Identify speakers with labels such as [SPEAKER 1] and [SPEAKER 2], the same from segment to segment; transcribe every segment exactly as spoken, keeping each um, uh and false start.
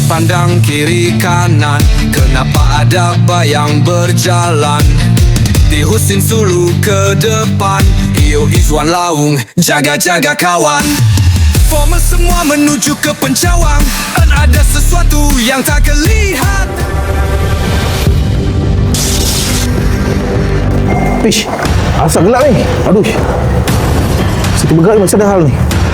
[SPEAKER 1] pandang kiri kanan, kenapa ada bayang berjalan di Husin Sulu ke depan. Iyo Izwan Laung, jaga-jaga kawan. Formal semua menuju ke pencawang, dan ada sesuatu yang tak kelihatan.
[SPEAKER 2] Ish, asap gelap ni. Aduh, situ bergerak ni macam ada hal ni.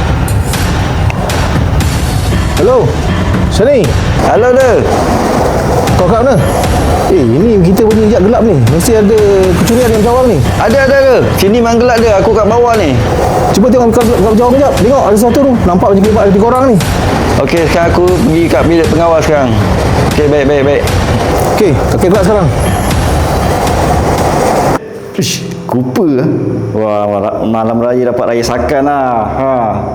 [SPEAKER 2] Hello, Sani.
[SPEAKER 3] Halo dah.
[SPEAKER 2] Kau kat mana? Eh, ini kita punya jap gelap ni. Mesti ada kecurian yang jawab ni.
[SPEAKER 3] Ada ada ke? Sini memang gelap dia. Aku kat bawah ni.
[SPEAKER 2] Cuba tengok kat, kat jauh kejap. Tengok ada sesuatu tu. Nampak macam ada tiga orang ni.
[SPEAKER 3] Okey, sekarang aku pergi kat bilik pengawal sekarang. Okey, baik baik baik.
[SPEAKER 2] Okey, kakek gelap sekarang.
[SPEAKER 3] Ish, kupa ah. Wah, malam raya dapat raya sakan lah. Ha.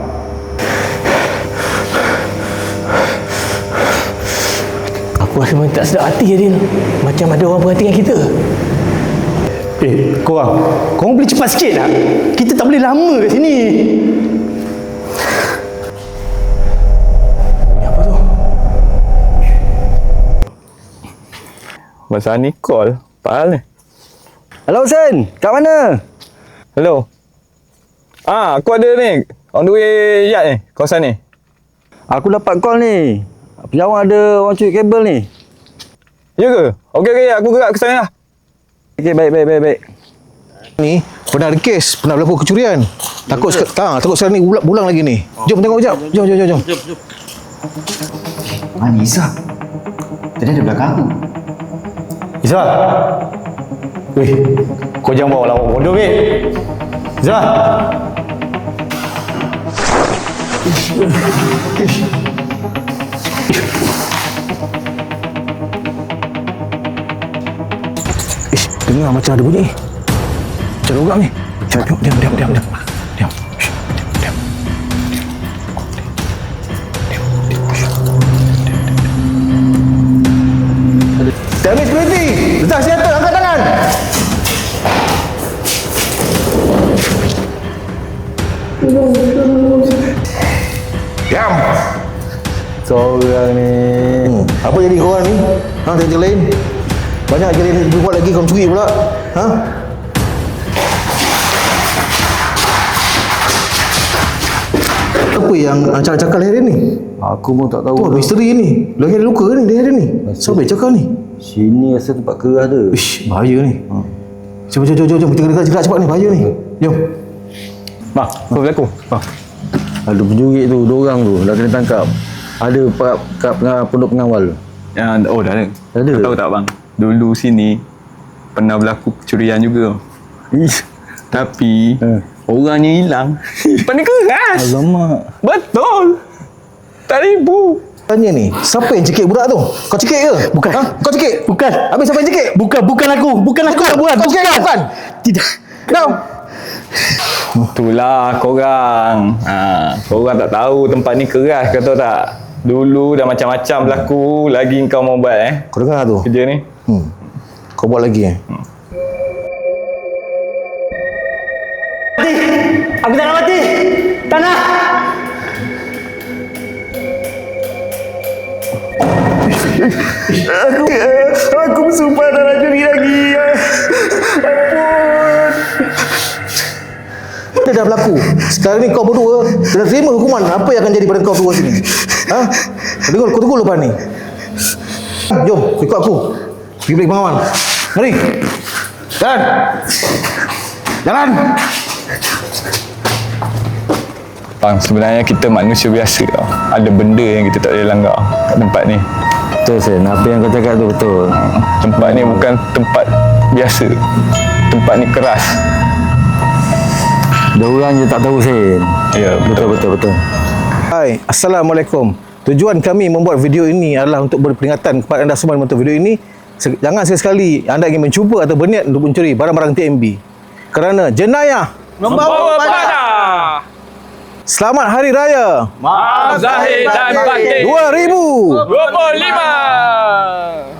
[SPEAKER 4] Aku rasa macam tak sedap hati Adil. Macam ada orang perhatikan kita.
[SPEAKER 5] Eh, korang. Korang boleh cepat sikit tak? Kita tak boleh lama kat sini.
[SPEAKER 4] Ni apa tu?
[SPEAKER 6] Masa ni call. Apa hal ni?
[SPEAKER 3] Hello Sen, kat mana?
[SPEAKER 6] Hello. Ah, aku ada ni. On the way yard ni, kawasan ni.
[SPEAKER 3] Aku dapat call ni. Penyawang ada orang curi kabel ni.
[SPEAKER 6] Ya ke? Okey okey, aku gerak ke sana lah.
[SPEAKER 3] Okey, baik baik baik baik.
[SPEAKER 2] Ni pernah ada kes, pernah berlaku kecurian. Takut sek- ha, takut sekarang ni ulang, ulang lagi ni. Jom tengok kejap. Jom jom jom jom.
[SPEAKER 7] Mana Izzah? Tadi ada belakang aku.
[SPEAKER 5] Izzah. Weh, kau jangan bawa lawak bodoh, weh. Izzah.
[SPEAKER 2] Ish, dengar macam ada bunyi. Macam ada orang ni. Diam, diam, diam, diam, diam. Diam. Shh, diam, diam. Damage security. Letak senjata, angkat tangan. Diam.
[SPEAKER 3] Seorang ni.
[SPEAKER 2] Hmm. Apa jadi korang ni? Ha, tengok lain. Banyak jadi berbuat lagi kau curi pula. Ha? Apa yang cakap-cakap leher ni?
[SPEAKER 3] Aku pun tak
[SPEAKER 2] Tu
[SPEAKER 3] tahu.
[SPEAKER 2] misteri ni. Lagi ada luka ni leher ni. Siapa yang cakap ni?
[SPEAKER 3] Sini rasa tempat keras dia.
[SPEAKER 2] Ish, bahaya ni. Ha. Jom, jom, jom, jom, jom. Kita kena gerak cepat ni. Bahaya ni. Jom.
[SPEAKER 6] Mak, apa berlaku? Ah.
[SPEAKER 3] Ada penjuri tu, dua orang tu dah kena tangkap. Ada kat, kat pengawal, pondok pengawal.
[SPEAKER 6] Ya, oh dah ada.
[SPEAKER 3] Ada.
[SPEAKER 6] Kau tahu tak bang? Dulu sini pernah berlaku kecurian juga.
[SPEAKER 3] Ish.
[SPEAKER 6] Tapi
[SPEAKER 3] Eh.
[SPEAKER 6] orangnya hilang. Pandai keras.
[SPEAKER 3] Alamak.
[SPEAKER 6] Betul. Tak ribu.
[SPEAKER 2] Tanya ni, siapa yang cekik budak tu? Kau cekik ke?
[SPEAKER 5] Bukan.
[SPEAKER 2] Ha? Kau cekik?
[SPEAKER 5] Bukan.
[SPEAKER 2] Habis siapa yang cekik?
[SPEAKER 5] Bukan, bukan aku. Bukan aku yang buat.
[SPEAKER 2] Kau cekik ke? Bukan?
[SPEAKER 5] Tidak.
[SPEAKER 2] Kau?
[SPEAKER 6] Itulah korang. Ha, korang tak tahu tempat ni keras, kau tahu tak? Dulu dah macam-macam berlaku, lagi kau mau buat eh
[SPEAKER 2] Kau dengar tu?
[SPEAKER 6] kerja ni.
[SPEAKER 2] Hmm. Kau buat lagi eh?
[SPEAKER 5] Mati. Aku tak nak mati. Tak nak. Aku, aku bersumpah tak nak curi lagi. Ampun.
[SPEAKER 2] Dia dah berlaku. Sekarang ni kau berdua dah terima hukuman. Apa yang akan jadi pada kau berdua sini? Ha? Tunggu, kau tunggu lepas ni. Jom, ikut aku. Pergi bilik pengawan. Mari. Jalan. Jalan.
[SPEAKER 6] Bang, sebenarnya kita manusia biasa tau. Ada benda yang kita tak boleh langgar kat tempat ni.
[SPEAKER 3] Betul Sen, apa yang kau cakap tu betul.
[SPEAKER 6] Tempat ni bukan tempat biasa. Tempat ni keras.
[SPEAKER 3] Dia orang je tak tahu Sen.
[SPEAKER 6] Ya,
[SPEAKER 3] Betul betul betul.
[SPEAKER 2] Hai, Assalamualaikum. Tujuan kami membuat video ini adalah untuk berperingatan kepada anda semua yang menonton video ini. Jangan sekali-sekali anda ingin mencuba atau berniat untuk mencuri barang-barang T M B. Kerana jenayah
[SPEAKER 6] Membawa pada
[SPEAKER 2] Selamat Hari Raya
[SPEAKER 6] Maaf Zahid dan Batin
[SPEAKER 2] dua ribu
[SPEAKER 6] dua puluh lima.